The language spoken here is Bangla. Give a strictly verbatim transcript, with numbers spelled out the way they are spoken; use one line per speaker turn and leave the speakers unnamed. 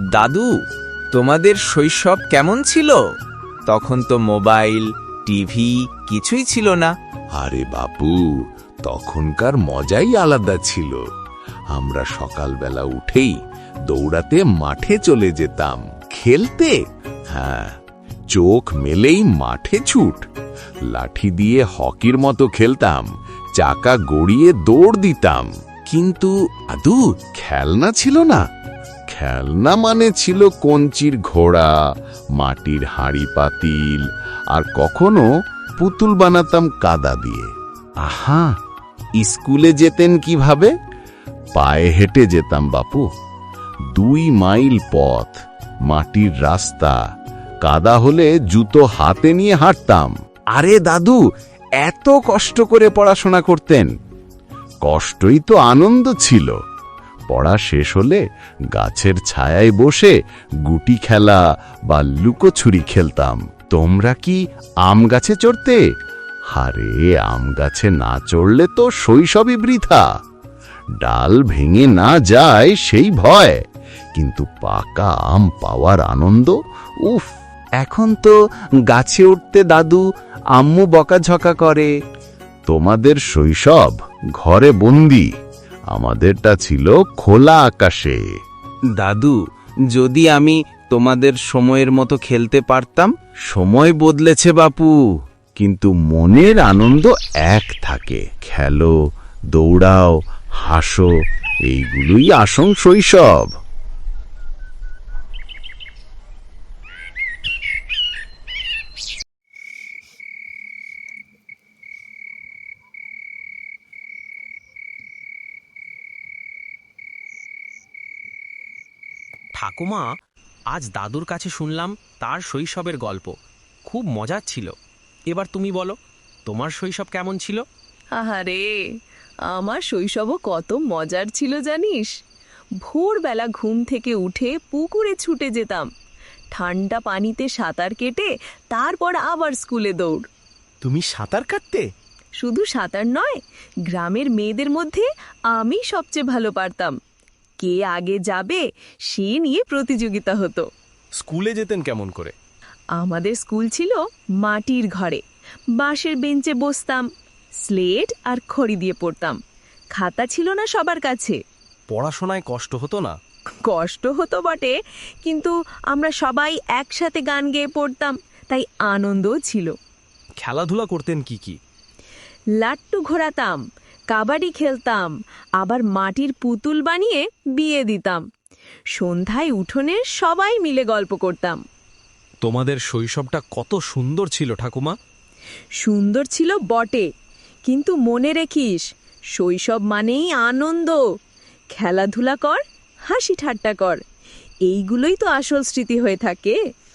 দাদু, তোমাদের শৈশব কেমন ছিল? তখন তো মোবাইল, টিভি কিছুই ছিল না।
আরে বাপু, তখনকার মজাই আলাদা ছিল। আমরা সকালবেলা উঠেই দৌড়াতে মাঠে চলে যেতাম খেলতে। হ্যাঁ, চোখ মেলেই মাঠে ছুট। লাঠি দিয়ে হকির মতো খেলতাম, চাকা গড়িয়ে দৌড় দিতাম। কিন্তু আদু, খেলনা ছিল না। খেলনা মানে ছিল কঞ্চির ঘোড়া, মাটির হাঁড়ি পাতিল, আর কখনো পুতুল বানাতাম কাদা দিয়ে। আহা, স্কুলে যেতেন কিভাবে? পায়ে হেঁটে যেতাম বাপু। দুই মাইল পথ, মাটির রাস্তা, কাদা হলে জুতো হাতে নিয়ে হাঁটতাম। আরে দাদু, এত কষ্ট করে পড়াশোনা করতেন? কষ্টই তো আনন্দ ছিল। পড়া শেষ হলে গাছের ছায়ায় বসে গুটি খেলা বা লুকোছুরি খেলতাম। তোমরা কি আম গাছে চড়তে? আরে, আম গাছে না চড়লে তো শৈশবই বৃথা। ডাল ভেঙে না যায় সেই ভয়, কিন্তু পাকা আম পাওয়ার আনন্দ, উফ!
এখন তো গাছে উঠতে দাদু আম্মু বকাঝকা করে।
তোমাদের শৈশব ঘরে বন্দি, আমাদেরটা ছিল খোলা আকাশে।
দাদু, যদি আমি তোমাদের সময়ের মতো খেলতে পারতাম।
সময় বদলেছে বাপু, কিন্তু মনের আনন্দ এক থাকে। খেলো, দৌড়াও, হাসো, এইগুলোই আসল শৈশব।
ঠাকুমা, আজ দাদুর কাছে শুনলাম তার শৈশবের গল্প। খুব মজার ছিল। এবার তুমি বলো, তোমার শৈশব কেমন ছিল?
আহারে, আমার শৈশবও কত মজার ছিল জানিস। ভোরবেলা ঘুম থেকে উঠে পুকুরে ছুটে যেতাম, ঠান্ডা পানিতে সাঁতার কেটে তারপর আবার স্কুলে দৌড়।
তুমি সাঁতার কাটতে?
শুধু সাঁতার নয়, গ্রামের মেয়েদের মধ্যে আমি সবচেয়ে ভালো পারতাম। কে আগে যাবে সে নিয়ে প্রতিযোগিতা হতো।
স্কুলে যেতেন কেমন করে?
আমাদের স্কুল ছিল মাটির ঘরে। বাঁশের বেঞ্চে বসতাম, স্লেট আর খড়ি দিয়ে পড়তাম। খাতা ছিল না সবার কাছে।
পড়াশোনায় কষ্ট হতো না?
কষ্ট হতো বটে, কিন্তু আমরা সবাই একসাথে গান গেয়ে পড়তাম, তাই আনন্দও ছিল।
খেলাধুলা করতেন কি কি?
লাট্টু ঘোরাতাম, কাবাডি খেলতাম, আবার মাটির পুতুল বানিয়ে বিয়ে দিতাম। সন্ধ্যায় উঠোনে সবাই মিলে গল্প করতাম।
তোমাদের শৈশবটা কত সুন্দর ছিল ঠাকুমা।
সুন্দর ছিল বটে, কিন্তু মনে রেখিস, শৈশব মানেই আনন্দ। খেলাধুলা কর, হাসি ঠাট্টা কর, এইগুলোই তো আসল স্মৃতি হয়ে থাকে।